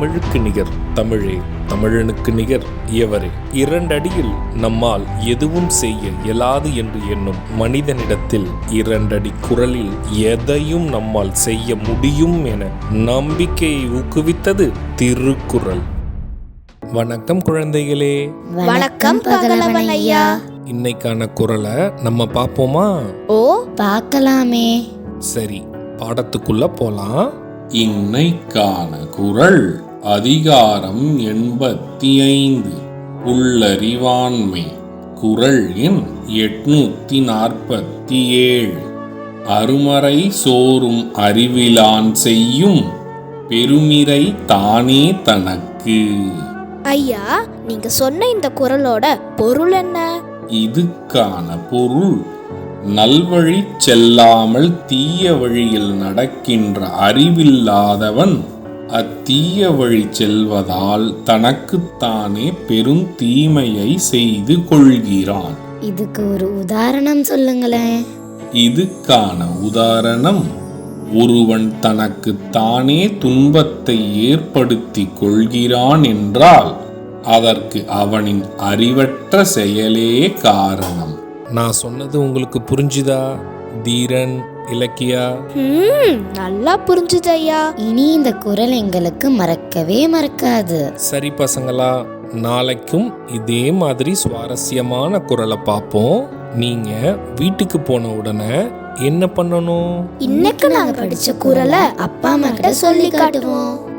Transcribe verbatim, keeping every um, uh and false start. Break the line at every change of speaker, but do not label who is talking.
தமிழுக்கு நிகர் தமிழே, தமிழனுக்கு நிகர் இயவரே. இரண்டடியில் நம்மால் எதுவும் செய்ய இயலாது என்று எண்ணும் மனிதனிடத்தில் இரண்டடி குரலில் எதையும் நம்மால் செய்ய முடியும் என நம்பிக்கையை ஊக்குவித்தது திருக்குறள். வணக்கம் குழந்தைகளே.
வணக்கம் பகலவன் ஐயா.
இன்னைக்கான குறளை நம்ம பார்ப்போமா?
ஓ, பார்க்கலாமே.
சரி, பாடத்துக்குள்ள போலாம்.
இன்னைக்கான குறள் அதிகாரம் எண்பத்தி ஐந்து, உள்ளறிவாண்மை. குறள் எண் எட்நூத்தி நாற்பத்தி ஏழு. அருமறை சோறும் அறிவிலான் செய்யும் பெருமிறை தானே தனக்கு.
ஐயா, நீங்க சொன்ன இந்த குறளோட பொருள் என்ன?
இதுக்கான பொருள், நல்வழி செல்லாமல் தீய வழியில் நடக்கின்ற அறிவில்லாதவன் அத்தீய வழி செல்வதால் தனக்குத்தானே பெரும் தீமையை செய்து கொள்கிறான்.
இதுக்கு ஒரு உதாரணம் சொல்லுங்களேன்.
இதுக்கான உதாரணம், ஒருவன் தனக்கு தானே துன்பத்தை ஏற்படுத்தி கொள்கிறான் என்றால் அதற்கு அவனின் அறிவற்ற செயலே காரணம்.
நான் சொன்னது உங்களுக்கு புரிஞ்சுதா தீரன், இலக்கியா?
நல்லா புரிஞ்சுது ஐயா. இனி இந்த குறள் எங்களுக்கு மறக்கவே மறக்காது.
சரி பசங்களா, நாளைக்கும் இதே மாதிரி சுவாரஸ்யமான குறளை பார்ப்போம். நீங்க வீட்டுக்கு போன உடனே என்ன பண்ணணும்?
இன்னைக்கு நாங்க படிச்ச குறளை அப்பா அம்மா கிட்ட சொல்லி காட்டுவோம்.